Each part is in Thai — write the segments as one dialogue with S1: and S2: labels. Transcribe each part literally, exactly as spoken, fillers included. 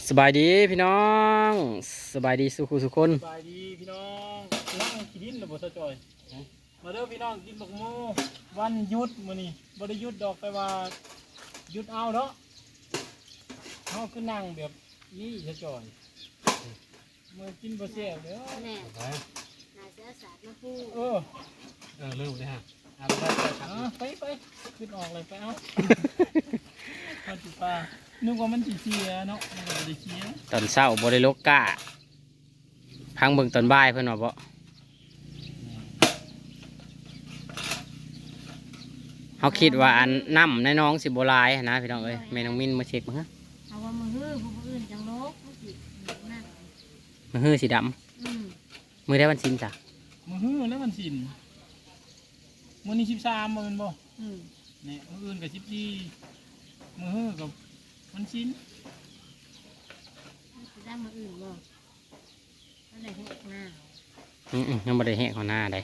S1: สบายดีพี่น้องสบายดีสุขุสุคน
S2: สบายดีพี่น้องนั่งกินดินหรือบ่สะจอยมาเด้อพี่น้องกินบักโมวันหยุดมื้อนี้บ่ได้หยุดดอกแต่ว่าหยุดเอาเนาะเฮาคือนั่งแบบนี้สะจอยมื้อกินบ่แซ่บเด้อ
S3: แน่นาเสือสาดมาพูด
S2: เออ
S4: เออเริ่มเลยฮะอ่านได้ครั
S2: เอาไปไปขึ้นออกเลยไปเอามาติปลานึกว่ามันสิเสียเนาะมันก็บ่ได้เสีย
S1: ตอนเช้าบริโลกกะพังเบิ่งตอนบ่ายเพื่อนว่าบ่เขาคิดว่าอันน้ำในน้องสิบหลายหั้นนะพี่น้องเอ้ยแม่น้องมินมาเช็คมั้งฮะ
S3: เอาว่ามือฮื้อผู้อื่นจังโลกผู้สินั่น
S1: มือฮื้อสีด
S3: อืม
S1: ำมือได้วันสินจ้ะ
S2: มื้อฮื้อแล้วมันสินมื้อนี้สิบสามมื้อแม่นบ่
S3: อืม
S2: เนี่ยมื้ออื่นก็สิบสี่มื้อฮื้อกับมันสิน
S3: สิได้มืออื่นบ่ก็ได้เฮ็ดหน้า
S1: อืมๆยังบ่ได้แห้งของหน้าได้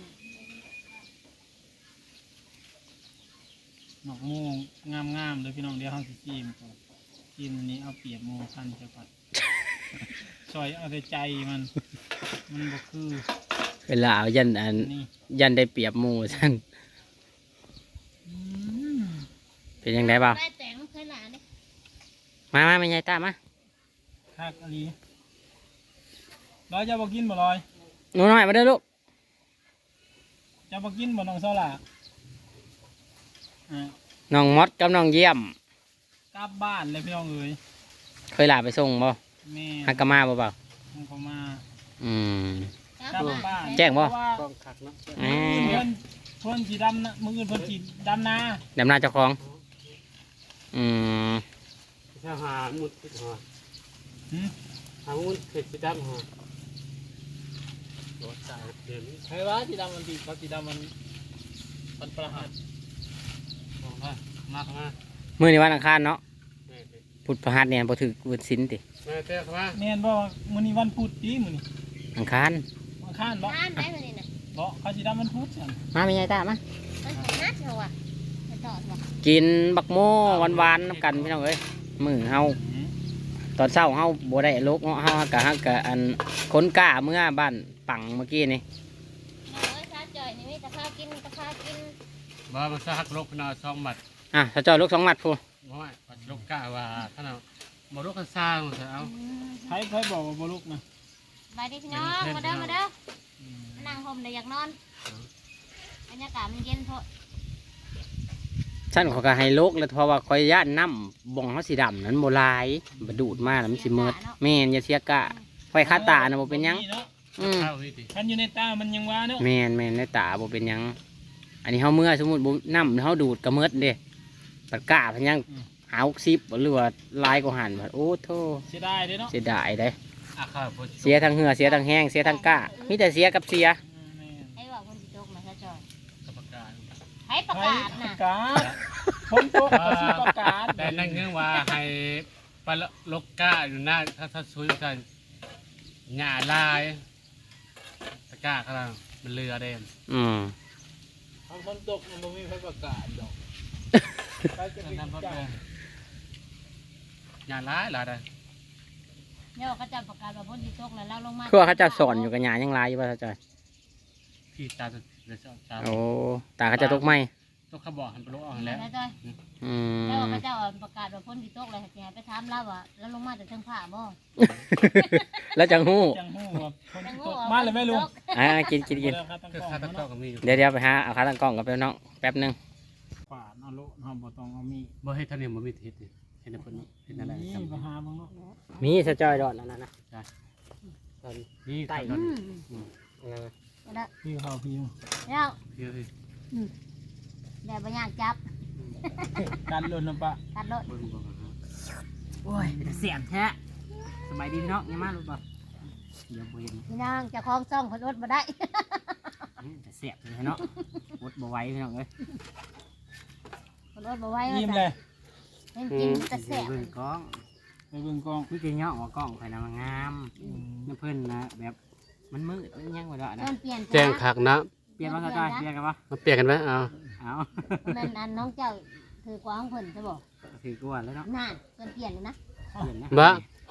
S2: หนอกโมงงามๆเลยพี่น้องเดี๋ยวเฮาสิจิ้มก่อนจิ้มอันนี้เอาเปรียบโมพันจะก่อน ซอยเอาแต่ใจมันมันบ่คือ
S1: เวลาเอายันอัน
S2: นี่
S1: ยันได้เปรียบหมู่ซั่น
S2: อืม
S1: เป็นยังไงบ่าว
S3: ได้แต่งเคยหลานนี่
S1: มามาแม่ยายตามมา
S2: คักอันนี้ร้อยจะบ่กินบ่ร้อย
S1: หนูน้อยมาเด้อลูก
S2: จะบ่กินบ่น้องเซาล่ะอ่า
S1: น้องมดกับน้องเยี่ยม
S2: กลับบ้านเลยพี่น้องเอ้ย
S1: เคยลาไปส่งบ่
S2: แม่
S1: ฮักกะมาบ่เปล่า
S2: มันก็มา
S1: อืม
S3: กลับ
S2: กลับ
S3: บ้าน
S2: บ้าน
S1: แจ้งบ่
S2: เพราะว่า
S4: ต้องขักเนาะ
S1: อื
S2: เพื่
S1: ม
S2: อนเพื่อนสีดำนะมืออื่นเพื่อนสีดำนา
S1: ดำหน้าเจ้าของอืม
S4: ถ้าหามุดติดหัว
S2: หืม
S4: หามุดเผ็ดติดดับหัวรถจ่ายเดี๋ยวนี้
S2: ใครวะสีดำมันสีเขาสีดำมันมันประหาร
S4: บอกว่ามากมา
S1: มื้อนี้วันอังคารเนาะ
S4: แม่
S1: พุธพฤหัสเนี่ยบ่ถือวันศีลติ
S4: แม่เต้เข้ามา
S2: แม่นบอกมื้อนี้วันพุธดีมื้อนี้
S1: อังคาร
S2: วันข้านบ่
S3: บ้านได้มานี่น่ะ
S2: บ่เขาสีดำมันพุธจัง
S1: มาแม่ยายตามมา
S3: มันของนัดเหรอวะไปต่อบ่
S1: กินบักโม่หวานๆน้ำกันพี่น้องเอ้ยมื้อเฮาตอนเช้าเฮาบ่ได้ลกเนาะเฮากะฮักกะอันคนกล้าเมื่อบ้านปังเมื่อกี้นี่
S3: โอ้ยซาจ่อยนี่มีแต่ข้าวกินแต่ข้าวกิน
S4: บ่มาสักลกนาซองหมัด
S1: อ่ะถ้าจอยลูกสองหมัดพู
S4: น้อยปัดลกกะว่าท่านเอาบ่ลกกันซ่าเอา
S3: อืม
S2: ใครใครบอกว่าบ่ลุกนะ
S3: สบายดีพี่น้องมาเด้อมาเด้อมานั่งห่มได้อยากนอนบรรยากาศมันเย็นเพราะ
S1: ฉันเขาก็ให้ลูกแล้วเพราะว่าคอยย่านน้ำบ่องเขาสีดำนั้นโบหลายบดูดมาแล้วมันสิเมิดแม่นอย่าเสียกะไฟคาตานะบ่เป็นหยัง
S2: เนาะ
S1: อืม
S4: เข้าวิธี
S2: คันอยู่ในตามันยังว่าเนาะ
S1: แม่นแม่นในตาบ่เป็นหยัง อันนี้เฮาเมื่อสมมุติบ่น้ำเฮาดูดก็เมิดเด้ปัดกะเพิ่นยังหาหกสิบหรือว่าลายกว่าหันบัดโอ้โธ่
S2: เสียดายเด้เนาะ
S1: เสียดายเด้
S4: อาคาพ
S1: เสียทั้งเหือเสียทั้งแห้งเสียทั้งกะมีแต่เสียกับเสีย
S2: อืมแม่น
S3: ให้ว่าคนสิตกมาซาจ่อย
S4: กับประกาศ
S3: ให้ประ
S2: ใคร
S3: กาศ
S2: ประ
S3: น่ะ
S2: กาศผมตกก็สิประกาศ
S4: แต่นั่งเงื่อนว่าให้ปลาลกกะอยู่หน้าถ้าถ้าซุยกันหญ้าลายตะกะเขามันเรือเด่น
S1: อืม
S2: ทำคนตกมันบ่มีใครประกาศดอกใครจะไป
S4: นั่นรถ
S2: จับ
S4: เลยหญ้าลายลายได้
S3: เนี่ยเขาจะประกาศว่าพ้นสิตกแล้วเราลงมา
S1: คือว่าเขาเจะสอนอยู่กับหยายังลายอยู่ป่ะเขาจอย
S4: พี่ตาจะจะตา
S1: โอ้ตาเขาจะตกไหม
S4: ต้องเขาบอกหันไปลกเอาแล้ว
S3: แล้วจ้อย
S1: อืม
S3: แล้วเขาจะประกาศว่าพ้นสิตกเลยสิให้ไปถามเราว่าแล้วลงมาจากเทิงผ้าบ่
S1: แล้วจังหู้
S2: จังหู้ว่าคน
S3: จัง
S2: ต
S3: หู้
S2: ก
S3: ว่
S2: มาเลยไหม่รู้
S3: ฝนสิตก
S1: อ่ากินกินกิน
S2: เดี๋ยวครับตั้ง
S4: คือก
S2: ล้อง
S4: คาตะ
S2: เนาะ
S4: กร้อก็มีอยู่
S1: เดี๋ยวเดี๋ยวไปหาเอาขาตั้งกล้องกับเพื่อนน้องแป๊บหนึง
S2: ขวานเอาโลเฮาบ่ต้องเอามีด
S4: บ่ให้ท่านนี่บ่มีเทศเห็นแต่เพิ่นเห็นอะไร
S2: นี่
S4: จำ
S2: ไปหาเบิ่งเนาะ
S1: มีสะจอยดอดนั่นนะนะ
S4: นี่
S1: ไต่
S4: ตอน
S3: อืม
S1: นั่นนะ
S3: แล้ว
S2: พี่เขาพี่
S3: แล้ว
S4: เดี๋ยวสิ
S3: แดดบ่ยากจับ
S2: การหล่นน้ำปะ
S3: ตัดรถ
S4: เบิ่งบ่ฮะ
S1: โอ้ยเสียงแท้สบายดีพี่น้องยังมาหรือเปล่าเดี๋ยวบ่เห็น
S3: พี่นางเจะคล้าของซ่องเพิ่นอดบ่ได้
S1: อืมแต่เสียบเลยเนาะวดบ่ไหว้พี่น้องเอ้ย
S3: เพิ่นอดบ่ไหว้
S2: ยิ้มเลย
S3: เพิ่นกินแต่แซ่บ
S1: เบิ่งกล้อง
S2: ไปเบิ่งกล้อง
S1: นี่คือเงาะหัวกล้องข่อยนะมันงามนี่เพิ่นนะแบบมันมืดมันยังบ่ได้นะ
S3: เพิ่นเปลี่ยน
S4: แจ้งคักนะ
S1: เปลี่ยนว่าสะจอยเปลี่ยนกันปะ
S4: มาเปลี่ยนกันไหมเอา
S1: เอา
S3: แม่นอันน้องเจ้าถือกว่าของเพิ่นใช่บ่
S1: ถือกวนแล้วเนาะ
S3: นั่นเพิ่นเปลี่ยนเลยนะ
S1: เปลี่ยนนะ
S4: บ่พ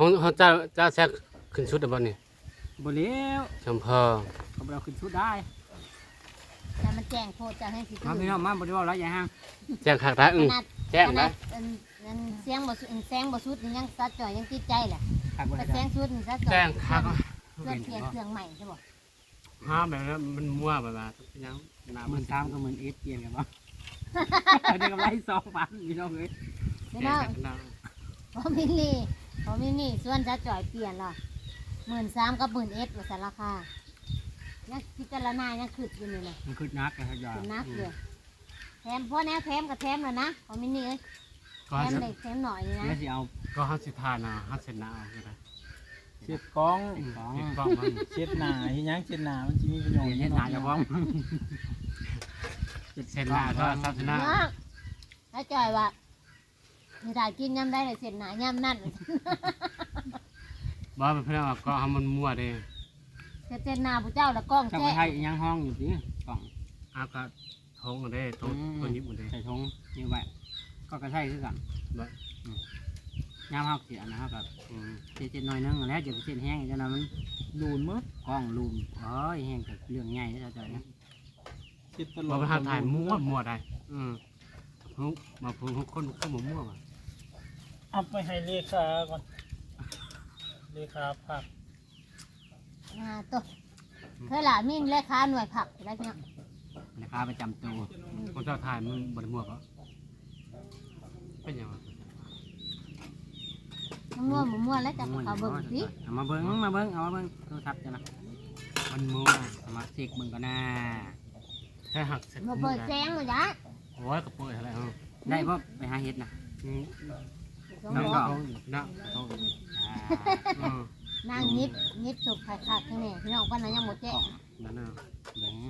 S4: ของของเจ้าเจ้าแซกขึ้นชุดได้บ่นี่
S1: บ่เลี้ยว
S4: จำพอ
S1: เขาบ่เอาขึ้นชุดได้
S3: แต่มันแจ้งโพดจะให้สิ
S1: มาพี่น้องมาบ่ได้เว้าหลายอย่าง
S4: แจ้งคักได้อึ้ง
S3: ขนาด
S4: แจ้ง
S3: ข
S4: ได้
S3: นาดอันอันเสียงบ่สุดอันแสงบ่สุดนี่ยังซัดจ่อยยังติดใจแหละ
S1: คักบ่
S3: แต่
S1: ได้
S3: แสงสุดนี่ซัดจ่อย
S4: แจ้งคัก
S3: เพื่อเปลี่ยนเครื่องใหม่ใช่บ่
S4: ห้ามแบบนั้นมันมั่วแบบว่าเป็นหยังหน้า
S1: ห
S4: มั
S1: มื่
S4: น
S1: นสามก็หมื่นเอสเปลี่ยนกันบ่ได้กำไรสองพันพี่น้องเอ้ย
S3: พี่
S4: แจ้
S3: น้
S4: ง
S3: อง
S4: กันได้
S3: พอมินี่พอมินี่ส่วนซัดจ่อยเปลี่ยนล่ะหมื่นสามกับหมื่นเอ็ดว่าสารราคายังพิจารณายังขึ้นอยู่นี่เลย
S1: มันคือนักกันครับยา
S3: เป็นนักเลยแถมพ่อแนวแถมกับแถมแล้วนะพอมินี่เอ้ย
S4: ก็
S3: แถ
S4: ให้
S3: มเล็กแถมหน่อยนี่นะ
S1: แล้วสิเอา
S4: ก็ห้าสิทานเอาห้าเซนหน้าเอาก็ได้
S2: เช็ดกล้อง
S1: ของ
S4: ติดกล้องมัน
S2: เช็ดหน้าเฮ็ดหยังเช็ดหน้ามันสิมีประโยชน์
S1: เฮ็ดหน้าเจ้าของ
S4: เซนหน้าก็สามเซนหน้า
S3: เนาะถ้าจ่อยว่าไม่ได้กินย่ำได้เลยเสร็จหนาย่ำนั่น
S4: บ่เป็นเพื่อนว่าก็ให้มันมั่วเด้
S3: เสร็จเสร็จหนาผู้เจ้าแล้วกล้อง
S1: เจ้า
S3: แจ้
S1: ไปให้อีหยังห้องอยู่สิกล่อง
S4: เอาก็ทงเด้ทงตัวนี้หมดเด้
S1: ใส่ถุงนี่ไว้ก็กระใช่คือกัน
S4: บ่
S1: ยามเฮาเสียนะเฮาก็
S4: อืม
S1: เจ็ดๆหน่อยนึงแล้วจะไปเส้นแห้งจังนั้นมัน
S2: ลูนหมด
S1: กล้องลูมโอ้ยแห้งก็เรื่องใหญ่เด้อเจ้านะ
S2: เช็ดตล
S4: บ่
S2: อด
S4: ไปหาถ่ายมั่วมั่วได้อืมฮู้มาพูดคนคนบ่มั่วว่ะ
S2: เอาไปให้เลขาก่อนเลขาผัก
S3: อ่าตัวเธอหล่ะมีเลขาหน่วยผักอะไรเนี่ย
S1: ราคาประจำตัว
S4: คนเจ้าถ่ายมันบ่ได้มั่วบ่เป็นหยังวะ
S3: มันมั่วมันมั่วแล้วจะเขาเบิ่งสิ
S1: เอามาเบิ่งมาเบิ่งเอามาเบิ่งโทรศัพท์จ้ะนะ
S4: มันมั่ว
S1: เอามาเช็คเบิ่งก่อนนะ
S4: แค่หักเสร็จ
S3: มาเปิดแสงเลยจ้ะ
S4: โอ้ยก็เปิดอะไรเฮา
S1: ได้บ่ไปหาเฮ็ดนะ
S4: อืม
S3: สอง
S4: นั่ง
S3: หัว
S4: ท้องอยู่นั่งท้องอยู่
S1: อ่า
S4: อืม
S3: นางยิบยิบสุกขาดขาดข้างในพี่น้องป้านั้นยังหมดแจ้ง
S4: นั่นน่ะ
S1: เบิ่ง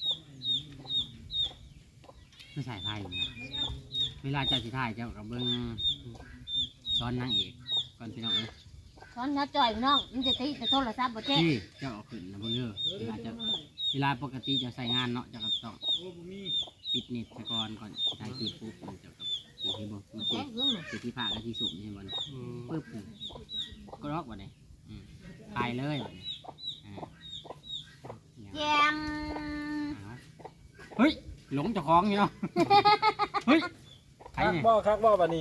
S1: ไม่ใช่ไพ่นะเวลาเจ้าสิถ่ายเจ้าก็เบิ่งซ้อนนางเอกก่อนพี่น้องเอ้ย
S3: ช้อนน้าจ่อยพี่น้องมันจะตีจะโทรศัพท์หมดแจ้ง
S1: ที่เจ้าเอาขึ้นนะเบิ่งเด้อเวลาจะเวลาปกติจะใส่งานเนาะเจ้าก็ต้อง
S2: โอ้บ่มี
S1: ปิดเน็ตซะก่อนก่อนสิถ่ายคลิปปุ๊บมันเจ้าก็สิเห็นบ่มัน
S3: แจ้
S1: สิ
S3: งเรื่องหนึ่ง
S1: สิที่ผ้ากับที่สุกนี่เห็นบ่
S4: อืม
S1: ปึ๊บนี่ก็ล็อกบ่ได้อืมตายเลยบ่ได้อ่า
S3: แจม
S1: เอาเฮ้ยหลงเจ้าของอยู่เนาะเฮ้ยใคร
S2: คัก
S1: เนี่ย
S2: บ่คักบ่บัดนี้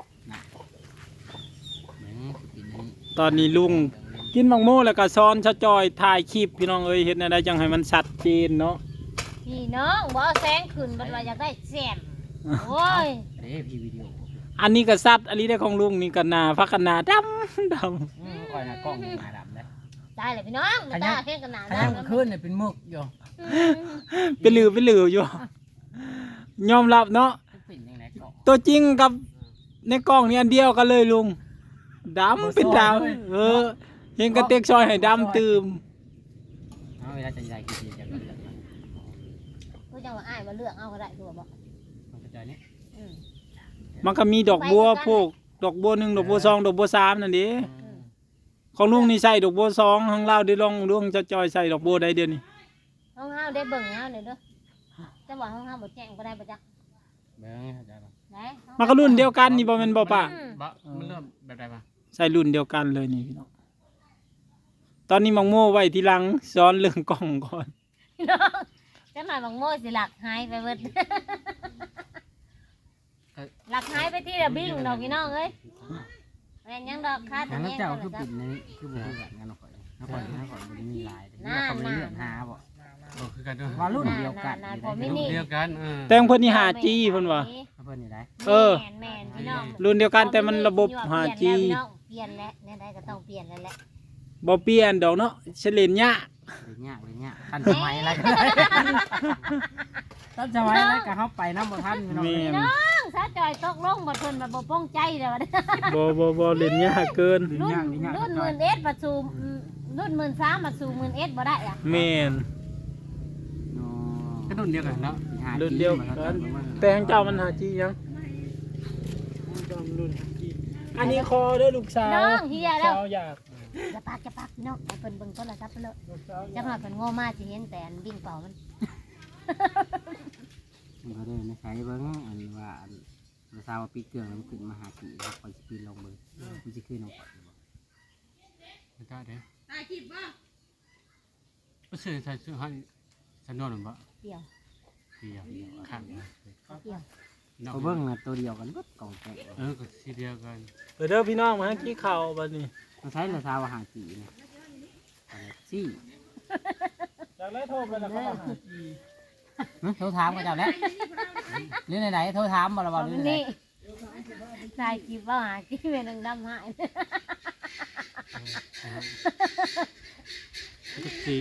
S1: เบิ่งสิกินนี่
S2: ตอนนี้ลุงกินมังโม่แล้วก็ซ้อนชะจอยถ่ายคลิปพี่น้องเอ้ยเฮ็ดแนวใดจังให้มันชัดเจนเนาะ
S3: พี่น้องบ่เอาแสงขึ้นบัดว่าอยากได้แซมโอ้ย
S1: เด้พี่วิดีโอ
S2: อันนี้ก็สัตว์อันนี้ได้ของลุงนี่ก็หน้าพักกันหน้าดำดำ
S1: อืมคอยหน้ากล้องหน้าดำเด้อ
S3: ตายเลยพี่น้องมาตาแค่กันหนา
S1: ถ้า
S3: ได้
S1: ยามกลางคืนเนี่ยเป็นมึกอยู่
S2: เป็นหลือเป็นหลืออยู่ ยอมรับเนาะ
S1: เป็นจังไดก็
S2: ตัวจริงกับในกล้องนี่อันเดียวกันเลยลุงดำเป็นดำเออเห็นกระเตกซอยให้ดำตื่ม
S1: เอาเวลาจะใหญ่กี่ทีจะเกิดอะไร
S3: ก็จังว่าอ้ายมาเลือกเอาก็ได้ตัวบ่
S1: มันจะใจนี่
S3: อืม
S2: มันก็มีดอกบัวพวกดอกบัวหนึ่งดอกบัวสองดอกบัวสามนั่นดิของลุงนี่ใส่ดอกบัวสองของเราได้ลองลุงจะจอยใส่ดอกบัวได้เดียวนี่
S3: ห้องเฮาได้เบิ่งเฮาเด้อเด้อจะว่าห้องเฮาบ่แจ้งก็ได้บ่จ๊ะ
S1: เบิ่งเข้าใจป่ะ
S3: ไหน
S2: มันก็รุ่นเดียวกันนี่บ่แม่นบ่ป่ะ
S3: อืม
S4: บะมันเริ่มแบบใดมา
S2: ใส่รุ่นเดียวกันเลยนี่พี่น้องตอนนี้มังโม่ไว้ที่หลังซ้อนเรื่องกล้องก่อน
S3: พี่น้องจังหน่อยบังโมสิหลักหายไปเบิดหลักหายไปที่ระบิ้งดอกพี่น้องเอ้ยแม่นยังดอกคาด
S1: งั้น
S3: แม่ง
S1: เจ้า
S3: ก็
S1: คือ
S3: เลย
S1: ปิดในนี้คือบ่คือกันงั้นเอาข่อยเอาข่อยเอาข่อยบ่ได้มีลายเด้อเขาบ่ได้เลือกหาบ่
S4: โอ้คือกันด้วย
S1: ว่ารุ่นเดียวกัน
S3: า
S1: นี่
S3: ๆพอมิ
S1: ได้
S3: นิ
S4: เดียวกันเออ
S2: แต่งเพิ่นนี่ ห้าจี เพิ่นว่า
S1: เพิ่นนี่ได้
S2: เออ
S3: แม่นแม่นพี่น้อง
S2: รุ่นเดียวกันแต่มันระบบ
S3: เป
S2: ห้า
S3: ลี่ยน
S2: จี
S3: แล้วพี่น้องเปลี่ยนแล้วเนี่ยได้ก็ต้องเปลี่ยนแล้วแหละ
S2: บ่เปลี่ยนดอกเนาะเฉลนยะ
S1: เดี๋ยวยากเดี๋ยวยากทันสมัยอะไรก็ได้ทันสมัยอะไรก็เฮาไปนำบ่ทันพี่น้อง
S2: แม่น
S3: น้องสาจอยตกลงบ่เพิ่นมาบ่ป้องใจเด้อ
S2: บ่บ่บ่เล่นยากเกิน
S3: รุ่นรุ่นหมื่นเอสบัดสู่อืมรุ่นหมื่นสามบัดสู่หมื่นเอสบ่ได้อะ
S2: แม่น
S1: อ๋อ
S4: ก็รุ่นเดียวกันเนาะ
S2: รุ่นเดียวกันแต่ของเจ้ามันห้าจียังรุ่นห้าจีอันนี้คอเด้อลูกสาว
S3: น้องเฮียแล้ว
S2: สาวอยาก
S3: อย่าปากอย่าปากพี่น้องให้เพิ่นเบิ่งโทรศัพท์ไปเลย
S2: ลูกสาวอ
S3: จั
S2: ยาก
S3: งหน่อยเพิ่นโง่มากสิเห็นแต่อันวิ่งเป่ามัน
S1: มันก็ได้นะใช้เบิ่งอันว่าอันภาษาว่าปิดเครื่องแล้วมันขึ้นมาหาจีครับคอยสิปีนลงเบิ่งมันสิขึ้นลงก่อนบ่
S4: ไม่ได้เด้ตายคลิปบ่บ่ซื้อใส่ซื้อให้ฉันนอนบ่
S3: เดี่ยว
S4: เดียวเดียวข้างนะ
S3: เดี่ยว
S1: เขาเบิ่งน่ะตัวเดียวกันเบิดกล่องแตก
S4: เออก็สีเดียวกัน
S2: เดี๋ยวเด้อพี่น้องมาให้กี้ข่าวบัดนี้
S1: มาใช้ละซาวอาหารสีนี่อะไรซี่
S2: จากแล้วโทรไปแล้วเขามาหากี
S1: หึโทรถามเขาเจ้าแล้วหรือไหนๆโทรถามบ่ละบ่หรือไหน
S3: นี่ถ่ายคลิปว่าหาคลิปเป็นดังดำหาย
S4: ก็สี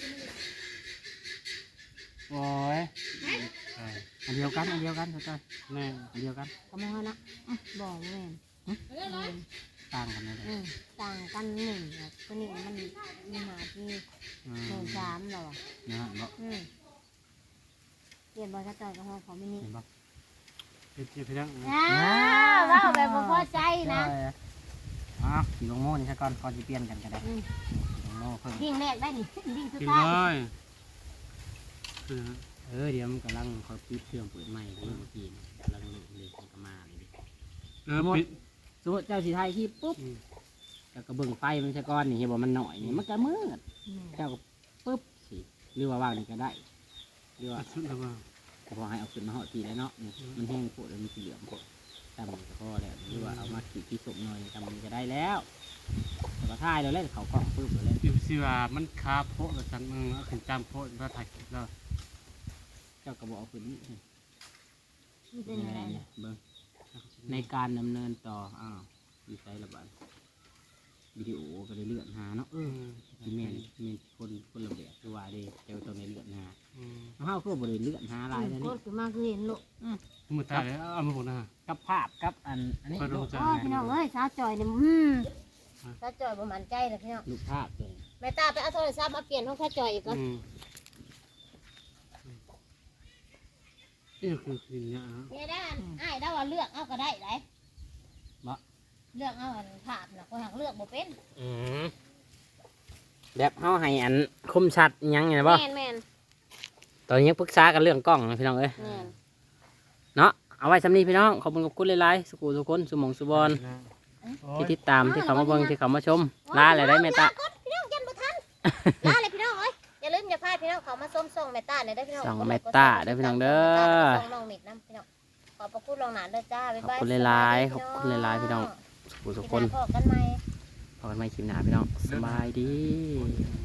S1: โอ้ยอันเดียวกันอันเดียวกันเขาเจ้า
S4: แน่
S1: อันเดียวกัน
S3: ก็มองนะบอกแม่น
S1: ต่างกันไหม
S3: อืมต่างกันหนึ่งแบบตัวนี้มันมีหาที่
S1: อื
S3: หนึ่ง
S1: ม
S3: สามหรอ
S1: นะฮะบ่
S3: อืมเปลี่ยนบอลกระจอยกับห้องของมินิ
S1: เห็นบ่
S4: เป็นเพียง
S3: อ่าว่าแบบบ่พอใจนะ
S1: อ๋อสีลงโม่นี่ซะก่อนก่อนจะเปลี่ยนกันก็ได้
S3: อืม
S1: ลงโม่เพิ่ม
S3: ดิ่งแรกได้นี่ดิ่งสุด
S4: กิน
S3: ท้าย
S4: เลยคือ
S1: เออเดี๋ยวมันกำลังเขาปิดเครื่องเปิดใหม่เมื่อกี้กำลังเล่นเล่นกันมาเลยดิ
S4: เออปิด
S1: สมมติเจ้าสีไทยที่ปุ๊บแล้วก็เบิ่งไฟมันซะก่อนนี่เห็นบ่มันหน่อยนี่มันก็มืด
S3: อืม
S1: เจ้าก็ปุ๊บสิหรือว่าวางนี่ก็ได้หรือว่า
S4: สุดแล้วว่า
S1: ก็พอให้เอาขึ้นมาห่อทีแล้วเนาะนี่มันแห้งโผล่แล้วมันสีเหลืองโผล่ตำมันก็พอแล้วหรือว่าเอามาขีดที่สมหน่อยตำมันก็ได้แล้วแต่ว่าท้ายเราเล่นเขากล่องปุ๊บเราเล่น
S4: อยู่สิว่ามันคาโพดแล้วจังมึงเอาถึงจำโพดแล้วถ่ายคลิปแล้ว
S1: เจ้าก็บอกเอาขึ้นนี่
S3: มีแต่ไหน
S1: เนี่ยเบิ่งในการดำเนินต่ออ้าวดีไซน์ระบาดวิดีโอก็เลยเลื่อนหาเนาะ
S4: อืม
S1: ที่แม่นมีคนคนละแบบคือว่าเด้เจ้าตัวในเลื่อนหา
S4: อืม
S1: เฮาก็บ่ได้เลื่อนหาหลายแล้ว
S3: โค
S1: นี่
S3: ตรคือมากคือเห็นลูก
S4: มือตายเลยเอามาบอกนะ
S1: กับภาพกับอันอันนี้
S4: ขอดู
S1: ลูก
S4: จ้ะ
S3: อ๋อพี่น้องเอ้ยสาวจอยเนี่ยอืมสาวจอยประมาณใจเลยพี่น้อง
S1: ลูกภาพเลย
S3: แม่ตาไปเอาโทรศัพท์มาเปลี่ยนห้องสาวจอยอีกก่อน
S4: อืมนี่คือคือเนี่ยฮะ
S3: เนี่ยด้านอ้ายได้ว่าเลือกเอาก็ได้ไหนเลือกเอาอันภาพนะคนหักเลือกบ่เป็น
S1: อืมแบบเฮาให้อันคมชัดอิหยังไงบ่
S3: แม่นแม่น
S1: ตอนนี้ยังปรึกษากันเรื่องกล้องนะพี่น้องเอ้ย
S3: แม่น
S1: เนาะเอาไว้สำนี้พี่น้องขอบคุณกับคุณหลายๆสุขุทุกคนสุหมองสุบอลที่ติดตามที่เขามาเบิ่งที่เขามาชมลาอะไรได้แม่ตา
S3: พี่น้องยันบ่ทันลาเลยพี่น้องเอ้ยอย่าลืมอย่าพลาดพี่น้องเขามาส้มส่งแม่ตาเนี่ยได้อพี่น้อง
S1: ส่องแม่ตาได้อพี่น้องเด้อ
S3: ส่งน้องมิดน้ำพี่น้องขอบพระคุณลองหนานเด้อจ้าบ๊ายบาย
S1: ขอบคุณหลายๆขอบคุณหลายๆพี่น้อง สุขุทุกคน
S3: พบกันใหม่
S1: พบกันใหม่คลิปหน้าพี่น้องสบายดี